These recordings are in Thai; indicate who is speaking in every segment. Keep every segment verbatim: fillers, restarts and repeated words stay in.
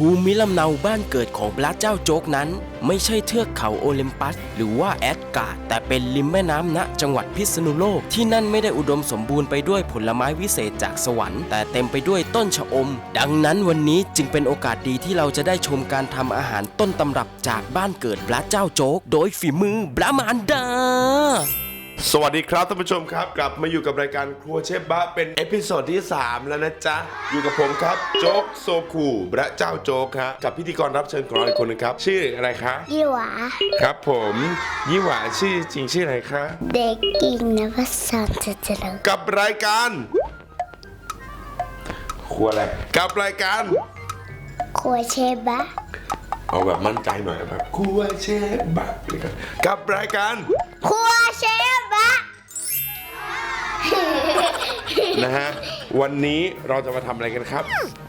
Speaker 1: ภูมิลำเนาบ้านเกิดของพระเจ้าโจ๊กนั้นไม่ใช่เทือกเขาโอลิมปัสหรือว่าแอดการ์ดแต่เป็นริมแม่น้ำณจังหวัดพิษณุโลกที่นั่นไม่ได้อุดมสมบูรณ์ไปด้วยผลไม้วิเศษจากสวรรค์แต่เต็มไปด้วยต้นชะอมดังนั้นวันนี้จึงเป็นโอกาสดีที่เราจะได้ชมการทำอาหารต้นตำรับจากบ้านเกิดพระเจ้าโจ๊กโดยฝีมือพระมารดา
Speaker 2: สวัสดีครับท่านผู้ชมครับกลับมาอยู่กับรายการครัวเชฟบะเป็นเอพิโซดที่สามแล้วนะจ๊ะอยู่กับผมครับโจ๊กโซคูพระเจ้าโจ๊กครับกับพิธีกรรับเชิญของเราอีกคนนึงครับชื่ออะไรคะ
Speaker 3: ยี่หวา
Speaker 2: ครับผมยี่หวาชื่อจริงชื่ออะไรคะ
Speaker 3: เด็กหญิงนภสรเจริญ
Speaker 2: กับรายการครัวอะไรกับรายการ
Speaker 3: ครัวเชฟบะ
Speaker 2: เอาแบบมั่นใจหน่อยแบบครัวเชฟบะกับรายการ
Speaker 3: ครัวเชฟบะ
Speaker 2: นะฮะวันนี้เราจะมาทำอะไรกันครับ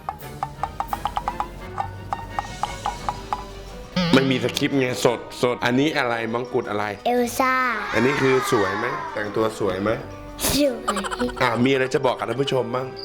Speaker 2: มันมีสคริปต์ไงสดสดอันนี้อะไรมังกรอะไร
Speaker 3: เอลซ่า
Speaker 2: อันนี้คือสวยไหมแต่งตัวสวยไหม
Speaker 3: สวย
Speaker 2: อ่ามีอะไรจะบอกกับท่านผู้ชมบ้าง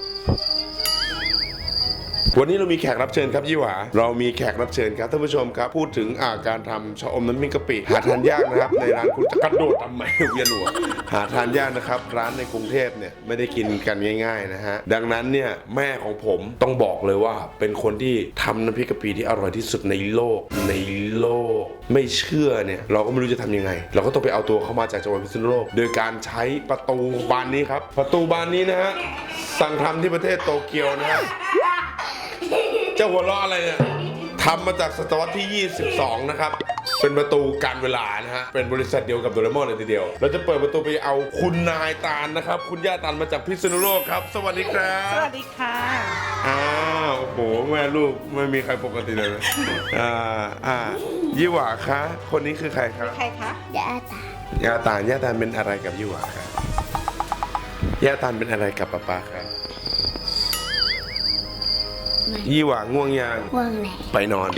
Speaker 2: วันนี้เรามีแขกรับเชิญครับยี่หวาเรามีแขกรับเชิญครับท่านผู้ชมครับพูดถึงอาการทำชะอมน้ำพริกกะปิหาทานยากนะครับในร้านคุณจะกระโดดทำไมเวียนหัวหาทานยากนะครับร้านในกรุงเทพเนี่ยไม่ได้กินกันง่ายๆนะฮะดังนั้นเนี่ยแม่ของผมต้องบอกเลยว่าเป็นคนที่ทำน้ำพริกกะปิที่อร่อยที่สุดในโลกในโลกไม่เชื่อเนี่ยเราก็ไม่รู้จะทำยังไงเราก็ต้องไปเอาตัวเข้ามาจากจังหวัดพิษณุโลกโดยการใช้ประตูบานนี้ครับประตูบานนี้นะฮะสั่งทำที่ประเทศโตเกียวนะฮะเจ้าหัวเราะอะไรเนี่ยทำมาจากศตวรรษที่ยี่สิบสองนะครับเป็นประตูการเวลานะฮะเป็นบริษัทเดียวกับโดเรมอนเลยทีเดียวเราจะเปิดประตูไปเอาคุณนายตาลนะครับคุณย่าตาลมาจากพิษณุโลกครับสวัสดีครับ
Speaker 4: สวัสดีค่ะ
Speaker 2: อ้าวโอ้โหแม่ลูกไม่มีใครปกติเลยอ่าอ่ายี่หว่าคะคนนี้คือใครครับ
Speaker 4: ใครคะ
Speaker 3: ย่าตา
Speaker 2: ย่าตาลย่าตาลเป็นอะไรกับยี่หว่าครับย่าตาลเป็นอะไรกับป๊าป๊าครับยี่หว่าง่วงยัง
Speaker 3: ง่วงไหน
Speaker 2: ไปนอน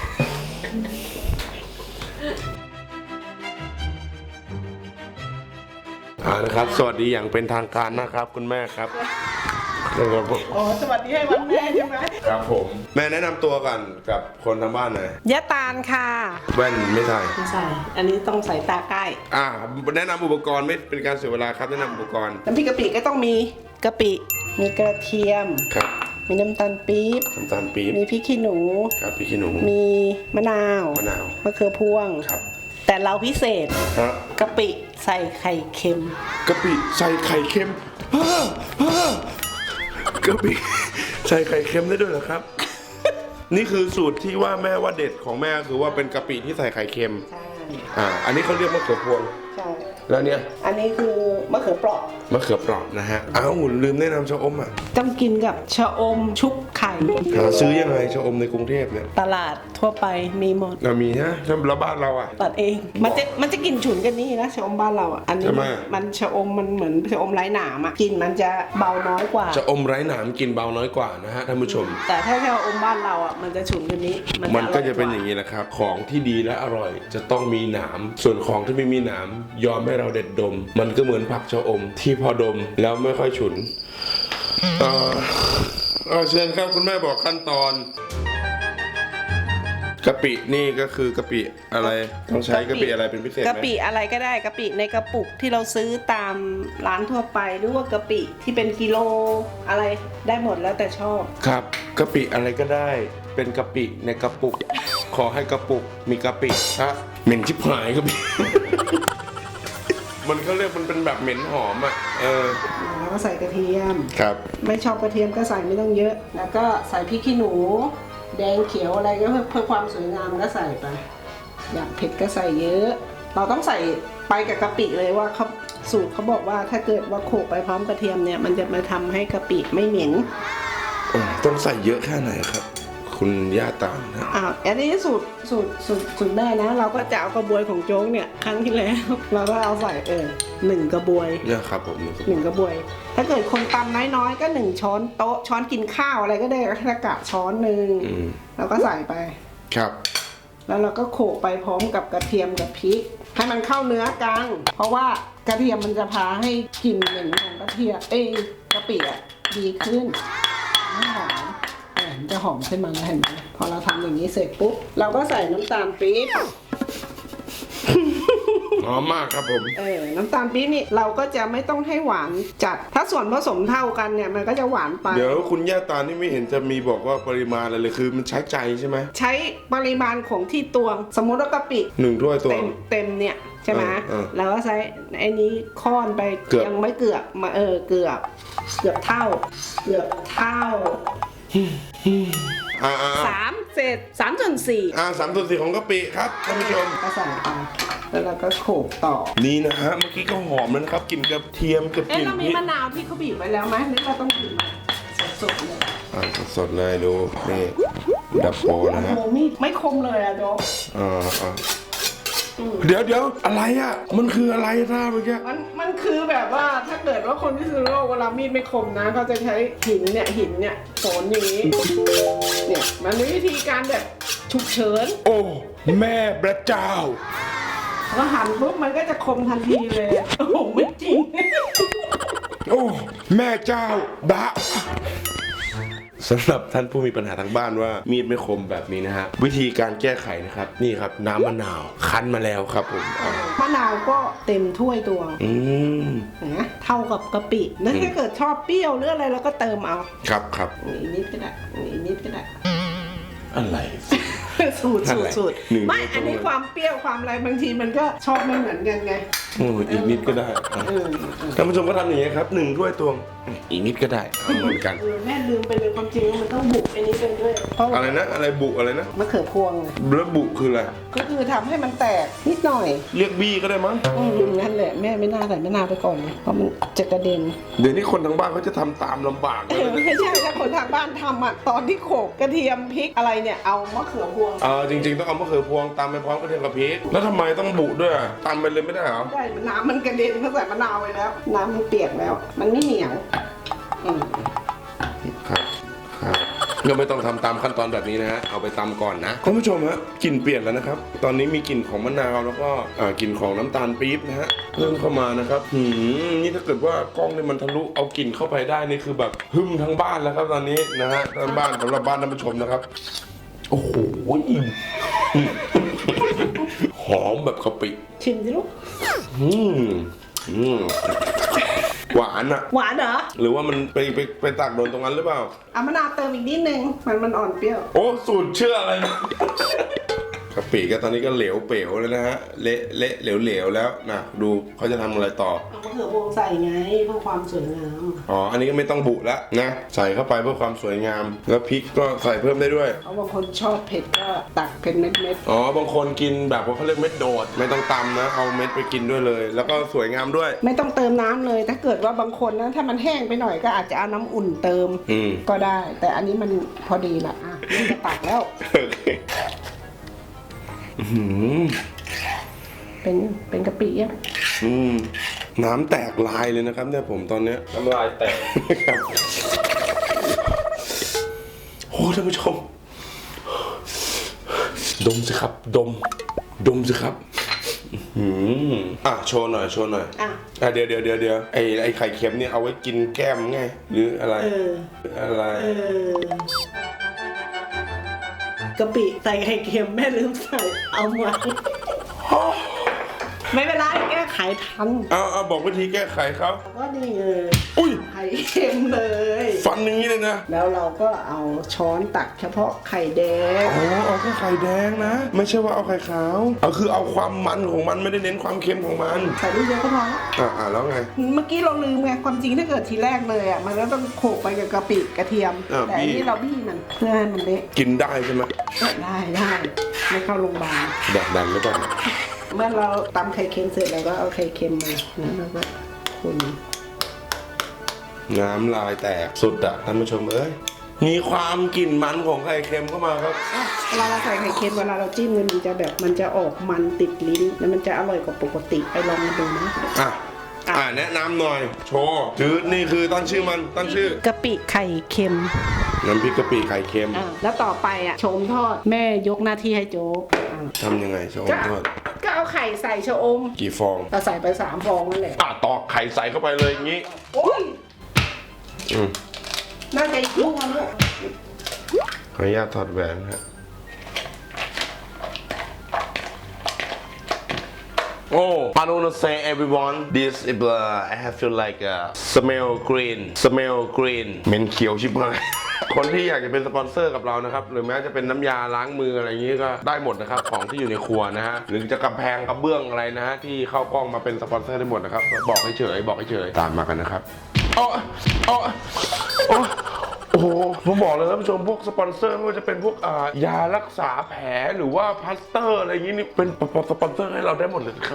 Speaker 2: อ่านะครับสวัสดีอย่างเป็นทางการนะครับคุณแม่ครับ
Speaker 4: อ๋อสวัสดีให้วันแม่ใช่ไหม
Speaker 2: ครับผมแม่แนะนำตัวกันกับคนทางบ้านหน่อย
Speaker 4: ยะตาลค่ะ
Speaker 2: แว่นไม่ใส่
Speaker 4: ไม่ใส่อันนี้ต้องใส่ตาใกล้
Speaker 2: อ่าแนะนำอุปกรณ์ไม่เป็นการเสียเวลาครับแนะนำอุปกรณ์
Speaker 4: น้ำพริกกะปิก็ต้องมีกะปิมีกระเทียม
Speaker 2: ครับ
Speaker 4: มีน้ำตาลปี๊บ
Speaker 2: น้ำตาลปี๊บ
Speaker 4: มีพริกขี้หนู
Speaker 2: ครับพริกขี้หนู
Speaker 4: มีมะนาว
Speaker 2: มะนาว
Speaker 4: มะเขือพวง
Speaker 2: ครับ
Speaker 4: แต่เราพิเศษ
Speaker 2: ครับ
Speaker 4: กะปิใส่ไข่เค็ม
Speaker 2: กะปิใส่ไข่เค็มกะปิใส่ไข่เค็มได้ด้วยเหรอครับ นี่คือสูตรที่ว่าแม่ว่าเด็ดของแม่คือว่าเป็นกะปิที่ใส่ไข่เค็ม
Speaker 4: ใช่
Speaker 2: อ่าอันนี้เขาเรียกมะเขือพวง
Speaker 4: ใช่
Speaker 2: แล้วเนี่ย
Speaker 4: อันนี้คือมะเขือเปราะ
Speaker 2: มะเขือเปราะนะฮะอ้าวลืมแนะนำชะอมอ่ะ
Speaker 4: ต้องกินกับชะอมชุบไข่
Speaker 2: หาซื้อยังไงชะอมในกรุงเทพเนี่ย
Speaker 4: ตลาดทั่วไปมีหมด
Speaker 2: เรามีฮะแล้วบ้านเราอ่ะ
Speaker 4: ตัดเองมันจะมันจะกินฉุนกันนี่นะชะอมบ้านเราอ่ะอันนี้มันชะอมมันเหมือนชะอมไร้หนามอ่ะกินมันจะเบาน้อยกว่า
Speaker 2: ชะอมไร้หนามกินเบาน้อยกว่านะฮะท่านผู้ชม
Speaker 4: แต่ถ้าชะอมบ้านเราอ่ะมันจะฉุนกันนี้
Speaker 2: มันก็จะเป็นอย่างนี้แหละครับของที่ดีและอร่อยจะต้องมีหนามส่วนของที่ไม่มีหนามยอมให้เราเด็ดดมมันก็เหมือนผักชะอมที่พอดมแล้วไม่ค่อยฉุนเออเออเชิญครับคุณแม่บอกขั้นตอนกะปินี่ก็คือกะปิอะไรต้องใช้กะปิอะไรเป็นพิเศษไหม
Speaker 4: กะปิอะไรก็ได้กะปิในกระปุกที่เราซื้อตามร้านทั่วไปหรือว่ากะปิที่เป็นกิโลอะไรได้หมดแล้วแต่ชอบ
Speaker 2: ครับกะปิอะไรก็ได้เป็นกะปิในกระปุกขอให้กระปุกมีกะปิฮะเหม็นชิบหายกะปิมันเขาเรียกมันเป็นแบบเหม็นหอมอ่ะเออ
Speaker 4: แล้วก็ใส่กระเทียม
Speaker 2: ครับ
Speaker 4: ไม่ชอบกระเทียมก็ใส่ไม่ต้องเยอะแล้วก็ใส่พริกขี้หนูแดงเขียวอะไรก็เพื่อเพื่อความสวยงามก็ใส่ไปอยากเผ็ดก็ใส่เยอะเราต้องใส่ไปกับกะปิเลยว่าเขาสูตรเขาบอกว่าถ้าเกิดว่าโขลกไปพร้อมกระเทียมเนี่ยมันจะมาทำให้กะปิไม่เหม็น
Speaker 2: ต้องใส่เยอะแค่ไหนครับคุณย่าตาลนะ
Speaker 4: อ้าวอันนี้สูตรสูตรสูตรสูตรแม่นะเราก็จะเอากระบวยของโจ๊กเนี่ยครั้งที่แล้วเราก็เอาใส่เออหนึ่งกระบวย
Speaker 2: เนี่ยครับผม
Speaker 4: หนึ่งกระบวยถ้าเกิดคนตำน้อยๆก็หนึ่งช้อนโต๊ะช้อนกินข้าวอะไรก็ได้ถ้ากะช้อนหนึ่งเราก็ใส่ไป
Speaker 2: ครับ
Speaker 4: แล้วเราก็โขลกไปพร้อมกับกระเทียมกับพริกให้มันเข้าเนื้อกันเพราะว่ากระเทียมมันจะพาให้กลิ่นเหม็นของกระเทียมเอ้กะปิอ่ะดีขึ้นหอมมันจะหอมขึ้นมาแล้วเห็นไหมพอเราทำอย่างนี้เสร็จปุ๊บเราก็ใส่น้ำตาลปี๊บ
Speaker 2: หอมมากครับผม
Speaker 4: เออน้ำตาลปี๊บนี่เราก็จะไม่ต้องให้หวานจัดถ้าส่วนผสมเท่ากันเนี่ยมันก็จะหวานไป
Speaker 2: เดี๋ยวคุณย่าตานี่ไม่เห็นจะมีบอกว่าปริมาณอะไรเลยคือมันใช้ใจใช่ไหม
Speaker 4: ใช้ปริมาณของที่ตวงสมมติว่ากะปิ
Speaker 2: หนึ่งถ้วยตว
Speaker 4: เต็
Speaker 2: ง
Speaker 4: มเต็มเนี่ยใช่ไหม
Speaker 2: เออเออ
Speaker 4: แล้วก็ใช้ไอ้นี้ค้อนไป
Speaker 2: เกือบ
Speaker 4: ยังไม่เกือบมาเออเกือบเกือบเท่า เกือบเท่า
Speaker 2: อ่าอ่า
Speaker 4: สามเศษสามส่วนสี่
Speaker 2: อ่าสามส่วนสี่ของกะปิครับท่านผู้ชม
Speaker 4: ก็ใส่ไปแล้วเราก็โขลกต่อ
Speaker 2: นี่นะฮะเมื่อกี้ก็หอมแล้วนะครับกลิ่นกระเทียมกับก
Speaker 4: เอ๊ะ
Speaker 2: ลิ่น
Speaker 4: เรา
Speaker 2: พ
Speaker 4: มี
Speaker 2: ริก
Speaker 4: มะนาวที่เขาบีบไว้แล้วไหมหรือเราต้องบีบสดๆเลย
Speaker 2: อ่าสดๆเลยดูนี่ดับโปนะ
Speaker 4: โอ้
Speaker 2: ฮะ
Speaker 4: โหมีดไม่คมเลยอะโจ๊ก
Speaker 2: อ่าอ่าเดี๋ยวเดี๋ยวอะไรอ่ะมันคืออะไรท่าเมื่อกี้
Speaker 4: มันมันคือแบบว่าถ้าเกิดว่าคนที่ซื้อโลกเวลามีดไม่คมนะเขาจะใช้หินเนี่ยหินเนี่ยโสนอย่างนี้เนี่ยมันมีวิธีการแบบฉุกเฉิน
Speaker 2: โอ้แม่พระเจ้า
Speaker 4: พอหั่นปุ๊บมันก็จะคมทันทีเลยอะโอ้โหไม่จริง
Speaker 2: โอ้แม่เจ้าบะสำหรับท่านผู้มีปัญหาทางบ้านว่ามีดไม่คมแบบนี้นะฮะวิธีการแก้ไขนะครับนี่ครับน้ำมะนาวคั้นมาแล้วครับผมอ่ะ
Speaker 4: มะนาวก็เต็มถ้วยตัว
Speaker 2: อืม
Speaker 4: นะเท่ากับกะปิแล้วถ้าเกิดชอบเปรี้ยวหรืออะไรเราก็เติมเอา
Speaker 2: ครับครับ
Speaker 4: อีกนิดก็ได้อีกนิดก็ได้
Speaker 2: อะไร
Speaker 4: สูตร
Speaker 2: นั่น
Speaker 4: สู
Speaker 2: แห
Speaker 4: ตร
Speaker 2: ละ
Speaker 4: สูตร
Speaker 2: หนึ่ง
Speaker 4: ไม่
Speaker 2: เดียว
Speaker 4: อันนี้
Speaker 2: ตรงเลย
Speaker 4: ความเปรี้ยวความอะไรบางทีมันก็ชอบไม่เหมือนกันไง
Speaker 2: โอ้อีกนิดก็ได้อ่ะ
Speaker 4: เออ
Speaker 2: ท่านผู้ชมก็ทำอย่างนี้ยครับหนึ่งถ้วยตวงอีกนิดก็ได้เอาเหมือนกัน
Speaker 4: เออแม่ลืมไปเลยความจริงมันต้องบุกอันนี้ไปด้วยเพราะ
Speaker 2: อะไรนะอะไรบุอะไรนะ
Speaker 4: มะเขือพวงไง
Speaker 2: แล้วบุคืออะไร
Speaker 4: ก็คือทำให้มันแตกนิดหน่อย
Speaker 2: เรียกบี้ก็ได้มั้ง
Speaker 4: อืมนั่นแหละแม่ไม่น่าใส่มะนาวไปก่อนเลยเพราะมันจะกระเด็น
Speaker 2: เดี๋ยวนี้คนทางบ้านเขาจะทำตามลำบากเล
Speaker 4: เอย อไม่ใช่ถ้าคนทางบ้านทำอ่ะตอนที่โขลกกระเทียมพริกอะไรเนี่ยเอามะเขือพวง
Speaker 2: เออจริงๆต้องเอามะเขือพวงตำไปพร้อมกระเทียมกับพริกแล้วทำไมต้องบุด้วยอ่ะตำไปเลยไม่ได้เหรอ
Speaker 4: ได้น้ำมันกระเด็นเพราะใส่มะนาวไปแล้ว น้ำมันเปียกแล้ว มันไม่เหนียวอืม
Speaker 2: ครับครับก็ไม่ต้องทำตามขั้นตอนแบบนี้นะฮะเอาไปตำก่อนนะคุณผู้ชมฮะกลิ่นเปลี่ยนแล้วนะครับ ตอนนี้มีกลิ่นของมะนาวแล้วก็อ่ากลิ่นของน้ำตาลปี๊บนะฮะเพิ่มเข้ามานะครับหืมนี่ถ้าเกิดว่ากล้องนี่มันทะลุเอากลิ่นเข้าไปได้นี่คือแบบหึมทั้งบ้านแล้วครับตอนนี้นะฮะทั้งบ้านสำหรับบ้านท่านผู้ชมนะครับโอ้โหอิ่มหอมแบบกะปิ
Speaker 4: ชิมสิลูก
Speaker 2: อืมอืมหวานอะ
Speaker 4: หวานเหรอ
Speaker 2: หรือว่ามันไปไปไปตากโดนตรงนั้นหรือเปล่า
Speaker 4: เอามะนาวเติมอีกนิดนึงมันมันอ่อนเปรี้ยว
Speaker 2: โอ้สูตรเชื่ออะไรนะกะปิก็ตอนนี้ก็เหลวเป๋วเลยนะฮะเละเละเหลวเหลวแล้วนะดูเขาจะทำอะไรต่อ
Speaker 4: เอามะเขือพวงใส่ไงเพื่อความสวยงาม
Speaker 2: อ๋ออันนี้ก็ไม่ต้องบุแล้วนะใส่เข้าไปเพื่อความสวยงาม แล้วพริกก็ใส่เพิ่มได้ด้วย
Speaker 4: เพราะบางคนชอบเผ็ดก็ตักเป็นเม็ด
Speaker 2: อ๋อบางคนกินแบบว่าเขาเรียกเม็ดโดด ไม่ต้องตำนะเอาเม็ดไปกินด้วยเลย แล้วก็สวยงามด้วย
Speaker 4: ๆไม่ต้องเติมน้ำเลย ถ้าเกิดว่าบางคนนะถ้ามันแห้งไปหน่อยก็อาจจะเอาน้ำอุ่นเติม
Speaker 2: อืม
Speaker 4: ก็ได้ แต่อันนี้มันพอดีละอ่ะนี่จะตักแล้ว
Speaker 2: โอเคอื้อหือ
Speaker 4: เป็นเป็นกะปิยัง
Speaker 2: อืมน้ำแตกลายเลยนะครับเนี่ยผมตอนเนี้ยน้ำลายแตก โอ้ท่านผู้ชม ดมสิครับ ดม ดมสิครับอืมอ่ะโชว์หน่อยโชว์หน่อย
Speaker 4: อ่ะ
Speaker 2: อ่ะเดี๋ยวเดี๋ยวเดี๋ยวเดี๋ยวไอ้ไอ้ไข่เค็มเนี่ยเอาไว้กินแก้มไงหรืออะไร
Speaker 4: เออ
Speaker 2: อะไร
Speaker 4: เออกะปิใส่ไข่เค็มแม่ลืมใส่เอามาไม่เป็นไรแก้ไขทัน
Speaker 2: เอาเอาบอกวิธีแก้ไขเขา
Speaker 4: ก็นี่เลย
Speaker 2: อุ้ย
Speaker 4: ไข่เค็มเลย
Speaker 2: ฟันอย่างนี้เลยนะ
Speaker 4: แล้วเราก็เอาช้อนตักเฉพาะไข่แดง
Speaker 2: อ๋อเอาแค่ไข่แดงนะ ไม่ใช่ว่าเอาไข่ขาวเอาคือเอาความมันของมันไม่ได้เน้นความเค็มของมัน
Speaker 4: ใส่ลูกเดียวก็พอแล้ว
Speaker 2: อ่าอ่าแล้วไง
Speaker 4: เมื่อกี้เราลืมไงความจริงถ้าเกิดทีแรกเลยอ่ะมันก็ต้องโขลกไปกับกะปิกระเทียม
Speaker 2: อ่า
Speaker 4: แต่อัน
Speaker 2: บี้
Speaker 4: นี้เราบี้มันเพื่อให้มันเละ
Speaker 2: กินได้ใช่ไหม
Speaker 4: ได้ได้ไม่เข้าโรงพยาบาล
Speaker 2: แดกดันหรือเปล่า
Speaker 4: เมื่อเราตำไข่เค็มเสร็จเราก็เอาไข่เค็มมาแล้วเราก็คน
Speaker 2: น้ำลายแตกสุดอะท่านผู้ชมเอ้ยมีความกลิ่นมันของไข่เค็มเข้ามาครับ
Speaker 4: อ่ะเวลาเราใส่ไข่เค็มเวลาเราจิ้มเนี่ยมันจะแบบมันจะออกมันติดลิ้นแล้วมันจะอร่อยกว่าปกติไปลองมาดูนะ
Speaker 2: อ่ะอ่าแนะนำหน่อย โชว์ชื่อนี่คือตั้งชื่อมันตั้งชื่อก
Speaker 4: ะปิไข่เค็ม
Speaker 2: น้ำพริกกะปิไข่เค็ม
Speaker 4: อ่ะแล้วต่อไปอ่ะโชมทอดแม่ยกหน้าที่ให้โจ๊กอ่ะ
Speaker 2: ทำยังไงโชว์
Speaker 4: ก็
Speaker 2: ทอด
Speaker 4: ก็เอาไข่ใส่ชะอม
Speaker 2: กี่ฟอง
Speaker 4: เราใส่ไปสามฟองนั่นแหละ
Speaker 2: อ่ะตอกไข่ใส่เข้าไปเลยอย่างงี้
Speaker 4: โอ้ย
Speaker 2: อืม
Speaker 4: น่าจะอีกลูกนึง
Speaker 2: ออนุญาตถอดแหวนฮะOh, I don't want to say everyone. This is uh, I have feel like uh, smell green, smell green. เหม็นเขียวชิบหาย คนที่อยากจะเป็นสปอนเซอร์กับเรานะครับหรือแม้จะเป็นน้ำยาล้างมืออะไรอย่างนี้ก็ได้หมดนะครับของที่อยู่ในครัวนะฮะหรือจะกำแพงกระเบื้องอะไรนะฮะที่เข้ากล้องมาเป็นสปอนเซอร์ได้หมดนะครับบอกให้เฉยบอกให้เฉยตามมากันนะครับอ๋ออ๋ออ๋อโอ้โหผมบอกเลยท่านผู้ชมพวกสปอนเซอร์ไม่ว่าจะเป็นพวกอ่ายารักษาแผลหรือว่าพลาสเตอร์อะไรอย่างนี้นี่เป็นสปอนเซอร์ให้เราได้หมดเลยครับ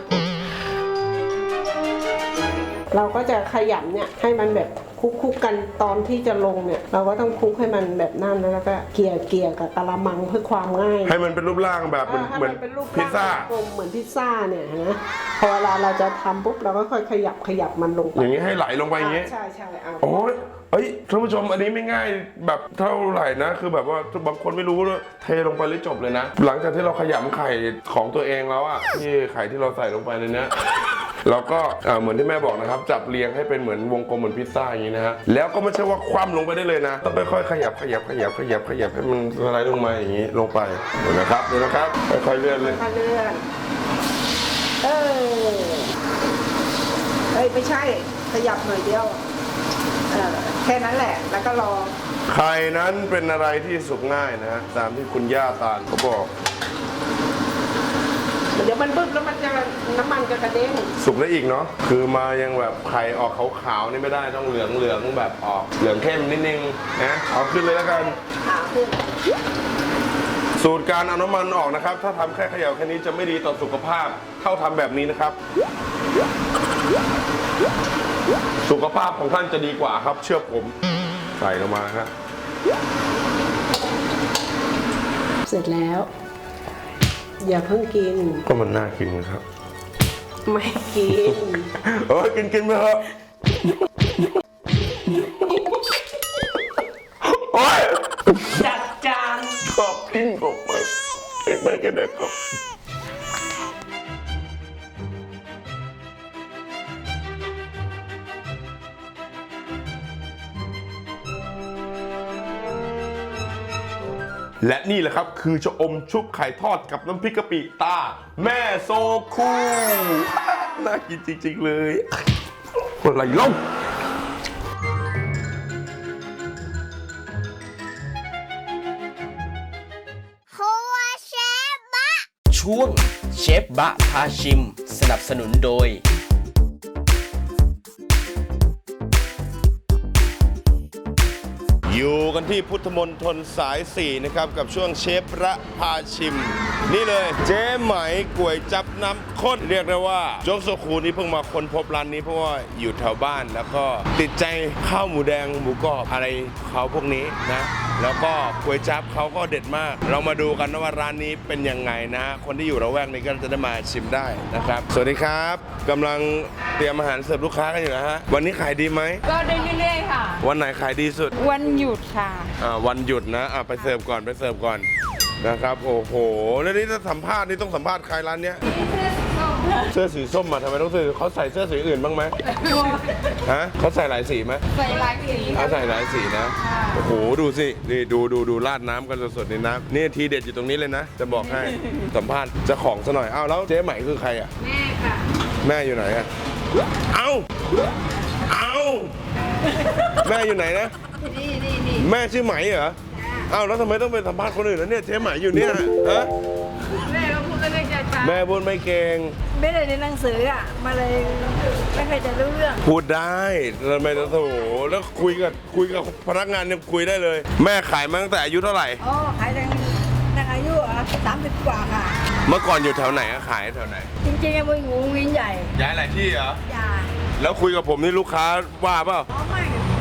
Speaker 4: เราก็จะขยำเนี่ยให้มันแบบคุกๆกันตอนที่จะลงเนี่ยเราก็ต้องคลุกให้มันแบบนั่นแล้วก็เกลี่ยเกลี่ยกับกะละมังเพื่อความง่าย
Speaker 2: ให้มันเป็นรูปร่างแบบเหมือนเหมือนพิซซ่าก
Speaker 4: ลมเหมือนพิซซ่าเนี่ยนะพอเวลาเราจะทำปุ๊บเราก็ค่อยขยับขยับมันลงไป
Speaker 2: อย่างนี้ให้ไหลลงไปอย่างนี้
Speaker 4: ใช่ใช่เอา
Speaker 2: โอ้ยเอ้ยท่านผู้ชมอันนี้ไม่ง่ายแบบเท่าไหร่นะคือแบบว่าบางคนไม่รู้ว่าเทลงไปเลยจบเลยนะหลังจากที่เราขยำไข่ของตัวเองแล้วอ่ะที่ไข่ที่เราใส่ลงไปในนี้เราก็เหมือนที่แม่บอกนะครับจับเรียงให้เป็นเหมือนวงกลมเหมือนพิซซ่าอย่างนี้นะฮะแล้วก็ไม่ใช่ว่าคว่ำลงไปได้เลยนะต้องค่อยๆขยับขยับขยับขยับขยับให้มันสไลด์ลงมาอย่างนี้ลงไปเดี๋ยวนะครับเดี๋ยวนะครับค่อยๆเลื่อนเลย
Speaker 4: ค่อยๆเลื่อนเออเฮ้ยไม่ใช่ขยับหน่อยเดียวเออแค่นั้นแหละแล้วก็รอ
Speaker 2: ไข่นั้นเป็นอะไรที่สุกง่ายนะฮะตามที่คุณย่าตาลเขาบอก
Speaker 4: เดี๋ยวมันบึ้บแล้วมันจะน้ำมันจะกระเด้ง
Speaker 2: สุกได้อีกเนาะคือมายังแบบไข่ออกขาวๆนี่ไม่ได้ต้องเหลืองเหลืองแบบออกเหลืองเข้มนิดนึงนะเอาขึ้นเลยแล้วกัน
Speaker 4: เอาขึ้น
Speaker 2: สูตรการเอาน้ำมันออกนะครับถ้าทำแค่เขย่าแค่นี้จะไม่ดีต่อสุขภาพเท่าทำแบบนี้นะครับสุขภาพของท่านจะดีกว่าครับเชื่อผมใส่ลงมาครับ
Speaker 4: เสร็จแล้วอย่าเพิ่งกิน
Speaker 2: ก็มันน่ากินครับ
Speaker 4: ไม่กิน
Speaker 2: โอ้ยกินกินไปเถอะโอ้ย
Speaker 4: จัดจาน
Speaker 2: ขอบกินผมไปไม่กินได้ครับและนี่แหละครับคือชะอมชุบไข่ทอดกับน้ำพริกกะปิตาแม่โซคูน่ากินจริงๆเลยคนไหลล่ม
Speaker 1: ช่วงเชฟบะพาชิมสนับสนุนโดย
Speaker 2: อยู่กันที่พุทธมณฑลสายสี่นะครับกับช่วงเชฟระพาชิมนี่เลยเจ๊ไหมก๋วยจับน้ำข้นเรียกได้ว่าโจ๊กโซคูนี่เพิ่งมาค้นพบร้านนี้เพราะว่าอยู่แถวบ้านแล้วก็ติดใจข้าวหมูแดงหมูกรอบอะไรเขาพวกนี้นะแล้วก็ก๋วยจับเขาก็เด็ดมากเรามาดูกันนะว่าร้านนี้เป็นยังไงนะคนที่อยู่ระแวกนี้ก็จะได้มาชิมได้นะครับสวัสดีครับกำลังเตรียมอาหารเสิร์ฟลูกค้ากันอยู่นะฮะวันนี้ขายดีไหม
Speaker 5: ก็ได้เรื่อยๆค่ะ
Speaker 2: วันไหนขายดีสุด
Speaker 5: วันหยุดค่ะ
Speaker 2: อ่าวันหยุดนะอ่าไปเสิร์ฟก่อนไปเสิร์ฟก่อนนะครับโอ้โหแล้วนี่ถ้าสัมภาษณ์นี่ต้องสัมภาษณ์ใครร้านเนี้ยเสื้อสีส้มมาทำไมต้องซื้อเขาใส่เสื้อสีอื่นบ้างไหมฮะเขาใส่หลายสีไหม
Speaker 5: ใส่หลายสี
Speaker 2: เขาใส่หลายสีนะโอ้โหดูสินี่ดูดูดูราดน้ำกันสดๆในน้ำนี่ทีเด็ดอยู่ตรงนี้เลยนะจะบอกให้สัมภาษณ์เจ้าของซะหน่อยอ้าวแล้วเจ๊ใหม่คือใครอ่ะ
Speaker 5: แม่ค่ะ
Speaker 2: แม่อยู่ไหนอ่ะเอ้าเอ้าแม่อยู่ไหนนะ
Speaker 5: นี่นี่นี่
Speaker 2: แม่ชื่อไหมเหรออ้าวแล้วทำไมต้องไปสัมภาษณ์คนอื่นแล้วเนี่ยเจ๊ไหมอยู่เนี่ยฮะ
Speaker 5: แม่ก็พูดไม่ได้ใจ
Speaker 2: แม่พูดไม่เก่ง
Speaker 5: ไม่ได้ในหนังสืออ่ะมาเลยไม่เคยจะรู้เรื่อง
Speaker 2: พูดได้แล้วไม่ต้องโถแล้วคุยกับคุยกับพนักงานเนี่ยคุยได้เลยแม่ขายมาตั้งแต่อายุเท่าไหร่
Speaker 5: อ๋อขายตั้งตั้งอายุอ่ะสามสิบกว่าค่ะ
Speaker 2: เมื่อก่อนอยู่แถวไหนอะขายแถวไหน
Speaker 5: จริงๆเป็นงูวินใหญ่
Speaker 2: ย้ายหลายที่เหรอ
Speaker 5: ย้าย
Speaker 2: แล้วคุยกับผมนี่ลูกค้าว่าเปล่า
Speaker 5: อ๋อไม่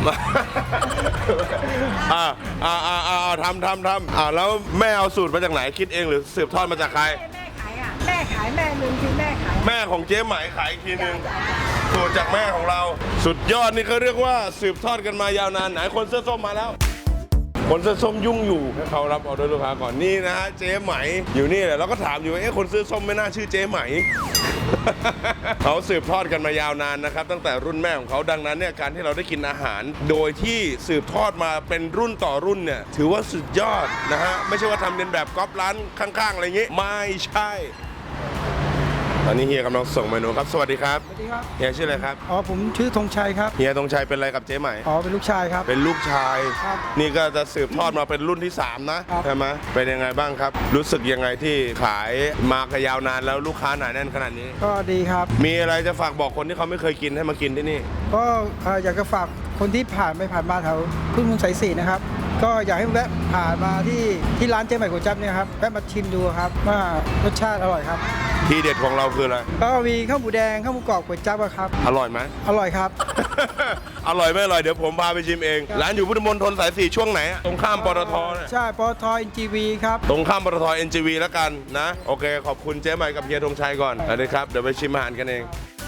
Speaker 2: อ่าอ่าอ่าอ่าทำทำทำอ่าแล้วแม่เอาสูตรมาจากไหนคิดเองหรือสืบทอดมาจากใคร
Speaker 5: แม่ขายอ่ะแม่ขายแม่หนึ่งคือแม่ขาย
Speaker 2: แม่ของเจ๊ไหมขายอีกทีนึงสูตรจากแม่ของเราสุดยอดนี่เขาเรียกว่าสืบทอดกันมายาวนานไหนคนเสื้อส้มมาแล้วคนเสื้อส้มยุ่งอยู่ให้เขารับออเดอร์ลูกค้าก่อนนี่นะฮะเจ๊ไหมอยู่นี่แหละเราก็ถามอยู่ว่าเอ๊ะคนเสื้อส้มไม่น่าชื่อเจ๊ไหม เขาสืบทอดกันมายาวนานนะครับตั้งแต่รุ่นแม่ของเขาดังนั้นเนี่ยการที่เราได้กินอาหาร โดยที่สืบทอดมาเป็นรุ่นต่อรุ่นเนี่ยถือว่าสุดยอดนะฮะไม่ใช่ว่าทำเลียนแบบก๊อปร้านข้างๆอะไรอย่างงี้ไม่ใช่ตอนนี้เฮียกำลังส่งเมนูครับสวัสดีครับ
Speaker 6: สวัสดีครับ
Speaker 2: เฮียชื่ออะไรครับ
Speaker 6: อ๋อผมชื่อธงชัยครับ
Speaker 2: เฮียธงชัยเป็นอะไรกับเจ๊ใหม่
Speaker 6: อ๋อเป็นลูกชายครับ
Speaker 2: เป็นลูกชาย
Speaker 6: ครับ
Speaker 2: นี่ก็จะสืบทอดมาเป็นรุ่นที่สามนะครับ ใช่ไหมเป็นยังไงบ้างครับ รู้สึกยังไงที่ขายมากยาวนานแล้วลูกค้าหนาแน่นขนาดนี้
Speaker 6: ก็ดีครับ
Speaker 2: มีอะไรจะฝากบอกคนที่เขาไม่เคยกินให้มากินที่นี่
Speaker 6: ก็เอ่ออยากจะฝากคนที่ผ่านไปผ่านมาแถวทุ่งเมืองสายสี่นะครับ ก็อยากให้แวะผ่านมาที่ที่ร้านเจ๊ใหม่ก๋วยจั๊บเนี่ยครับแวะมาชิมดูครับว่ารสชาติอร่อยครับ
Speaker 2: ที่เด็ดของเราคืออะไร
Speaker 6: ก็มีข้าวหมูแดงข้าวหมูกรอบก๋วยจั๊บอะครับ
Speaker 2: อร่อยไหม
Speaker 6: อร่อยครับ
Speaker 2: อร่อยไม่อร่อยเดี๋ยวผมพาไปชิมเอง ร้านอยู่พุทธมณฑลสายสี่ช่วงไหนอะตรงข้ามปตทเนี่ย
Speaker 6: ใช่ปตทเอ็นจีวีครับ
Speaker 2: ตรงข้ามปตท เอ็น จี วี แล้วกันนะ โอเค ขอบคุณเจ๊ใหม่กับเฮียธงชัยก่อนสวัสดีครับ เดี๋ยวไปชิมอาหารกันเอง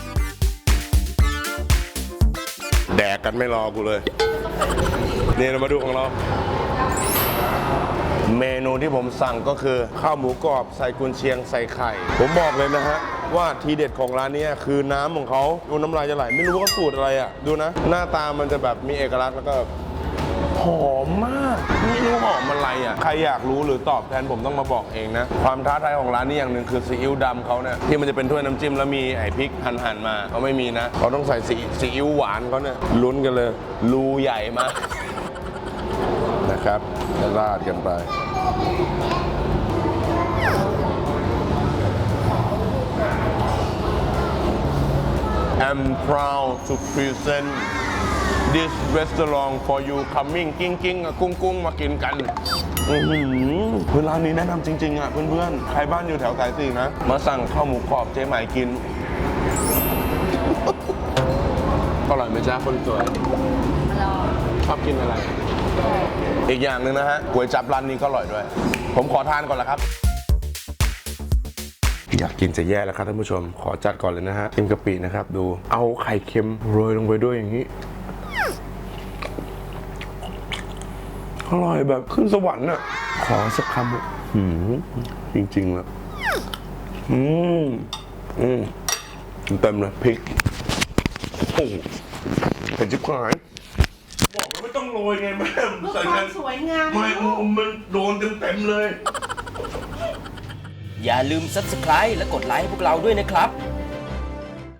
Speaker 2: แดกกันไม่รอกูเลย นี่เรามาดูของเรา เมนูที่ผมสั่งก็คือข้าวหมูกรอบใส่กุนเชียงใส่ไข่ ผมบอกเลยนะฮะ ว่าทีเด็ดของร้านนี้คือน้ำของเขาดูน้ำลายจะไหลไม่รู้ว่าเขาสูตรอะไรอ่ะ ดูนะ หน้าตามันจะแบบมีเอกลักษณ์แล้วก็หอมมากไม่รู้หอมอะไรอ่ะใครอยากรู้หรือตอบแทนผมต้องมาบอกเองนะ ความท้าทายของร้านนี้อย่างหนึ่งคือซีอิ๊วดำเขาเนี่ยที่มันจะเป็นถ้วยน้ำจิ้มแล้วมีไอ้พริกหั่นๆมาเขาไม่มีนะเขาต้องใส่ซีซีอิ๊วหวานเขาเนี่ยลุ้นกันเลยรูใหญ่มากนะครับราดกันไป I'm proud to present this restaurant for you coming กิ้งกิ้งกุ้งกุ้งมากินกันอือหือคือร้านนี้แนะนำจริงๆอ่ะเพื่อนๆใครบ้านอยู่แถวสายสี่นะ มาสั่งข้าวหมูกรอบเจ๊ใหม่กิน อร่อยไหมจ๊ะคนสวยชอบกินอะไร อีกอย่างหนึ่งนะฮะก๋วยจั๊บร้านนี้ก็อร่อยด้วย ผมขอทานก่อนละครับ อยากกินจะแย่แล้วครับท่านผู้ชม ขอจัดก่อนเลยนะฮะเค็มกะปินะครับ ดูเอาไข่เค็มโรยลงไปด้วยอย่างนี้ อร่อยแบบขึ้นสวรรค์อ่ะ ขอสักคำหืมจริงๆแล้วอืมอืมเต็มเลยพริกโอ้เผ็ดจิ๊บหายบอกว่าไม่ต้องโรยไงแม่
Speaker 4: เพื่อความสวยงาม
Speaker 2: ไม่มันโดนเต็มๆเลย
Speaker 1: อย่าลืม ซับสไครบ์ และกดไลค์ให้พวกเราด้วยนะครับ